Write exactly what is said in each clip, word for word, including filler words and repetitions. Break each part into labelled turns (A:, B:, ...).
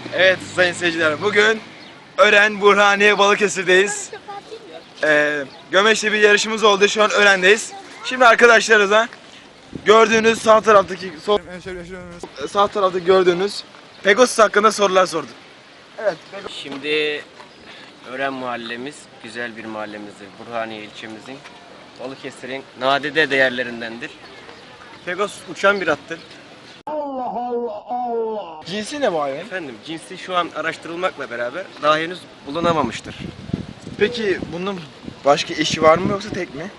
A: Evet sayın seyirciler, bugün Ören, Burhaniye, Balıkesir'deyiz. Ee, Gömeç'te bir yarışımız oldu, şu an Ören'deyiz. Şimdi arkadaşlarınıza gördüğünüz sağ taraftaki sol, sağ tarafta gördüğünüz Pegasus hakkında sorular sorduk. Evet.
B: Şimdi Ören mahallemiz güzel bir mahallemizdir. Burhaniye ilçemizin Balıkesir'in nadide değerlerindendir. Pegasus uçan bir attır.
A: Cinsi ne bu hayvan?
B: Efendim cinsi şu an araştırılmakla beraber daha henüz bulunamamıştır.
A: Peki bunun başka eşi var mı yoksa tek mi?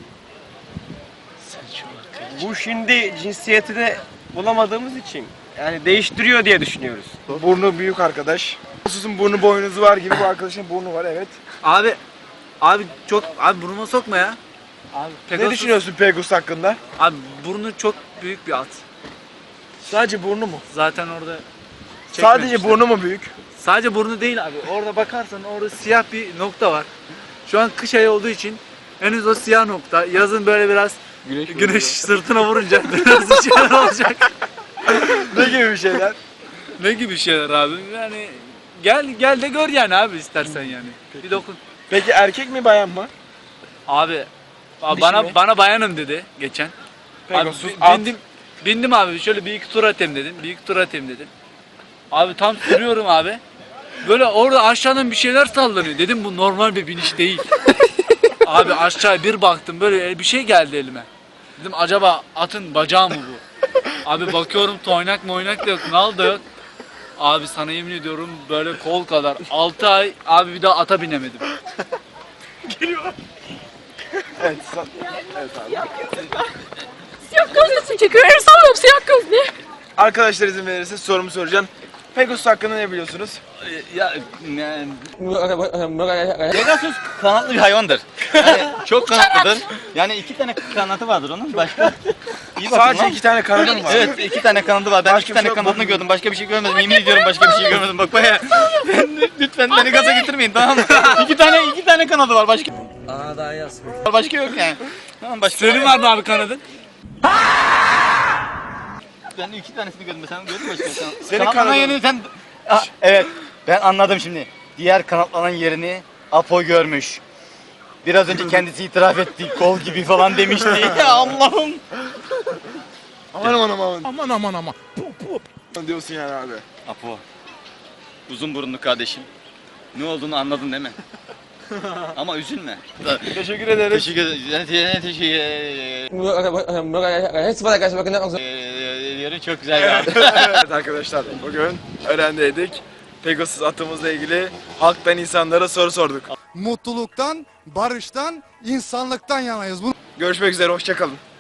B: Bu şimdi cinsiyetini bulamadığımız için yani değiştiriyor diye düşünüyoruz.
A: Burnu büyük arkadaş. Pegasus'un burnu boynuzu var gibi, bu arkadaşın burnu var, evet.
C: Abi, abi çok, abi burnuma sokma ya. Abi
A: Ne düşünüyorsun Pegasus hakkında?
C: Abi burnu çok büyük bir at.
A: Sadece burnu mu?
C: Zaten orada
A: Sadece
C: çekmemişler.
A: burnu mu büyük?
C: Sadece burnu değil abi. Orada bakarsan orada siyah bir nokta var. Şu an kış ayı olduğu için henüz o siyah nokta. Yazın böyle biraz
A: Güneş,
C: güneş sırtına vurunca biraz bir şeyler olacak.
A: Ne gibi bir şeyler?
C: Ne gibi şeyler abi? Yani gel gel de gör yani abi istersen yani. Bir dokun.
A: Peki erkek mi bayan mı?
C: Abi
A: Dişi
C: bana
A: mi?
C: bana bayanım dedi geçen.
A: Pegasus
C: Abi, bi-
A: at.
C: bindim, bindim abi şöyle bir iki tur atayım dedim. Bir iki tur atayım dedim. Abi tam sürüyorum abi. Böyle orada aşağıdan bir şeyler sallanıyor. Dedim bu normal bir biniş değil. Abi aşağı bir baktım böyle bir şey geldi elime. Dedim acaba atın bacağı mı bu? Abi bakıyorum toynak moynak da yok, nal da yok. Abi sana yemin ediyorum böyle kol kadar. altı ay abi bir daha ata binemedim.
A: Evet, sa- evet abi.
D: Siyah gözlüsü çekiyor. El sallıyorum siyah gözlü.
A: Arkadaşlar izin verirse sorumu soracağım. Pegasus hakkında ne biliyorsunuz?
E: Ya yani Pegasus kanatlı bir hayvandır. Yani çok kanatlıdır. Yani iki tane kanatı vardır onun. Başka iyi bakın
A: Sadece
E: lan.
A: iki tane kanadı mı var?
E: Evet iki tane kanadı var. Ben
A: Başka
E: iki
A: bir
E: tane
A: şey yok,
E: kanadını
A: bakın.
E: gördüm. Başka bir şey görmedim. Yemin ediyorum başka bir şey görmedim. Bak baya. Lütfen beni gaza getirmeyin, tamam mı? İki tane iki tane kanadı var. Başka
C: Aa daha yaz.
E: başka yok yani. Tamam başka.
C: Senin var mı abi kanadın?
E: Ben iki tanesini gördüm. Sen gördün mü başka? Sen,
A: Senin
E: kanatlanan
A: kanadın-
E: yerini sen... Ah, evet ben anladım şimdi. Diğer kanatlanan yerini Apo görmüş. Biraz önce kendisi itiraf etti. Kol gibi falan demişti. Ya Allah'ım.
A: Aman aman aman.
F: Aman aman aman.
A: Diyorsun yani abi.
E: Apo. Uzun burunlu kardeşim. Ne olduğunu anladın değil mi? Ama üzülme.
A: Teşekkür ederiz.
E: Teşekkür ederim. Teşekkür ederim. Çok güzel ya.
A: Evet arkadaşlar, bugün Ören'deydik. Pegasus atımızla ilgili halktan insanlara soru sorduk.
F: Mutluluktan, barıştan, insanlıktan yanayız. Bunu
A: Görüşmek üzere, hoşça kalın.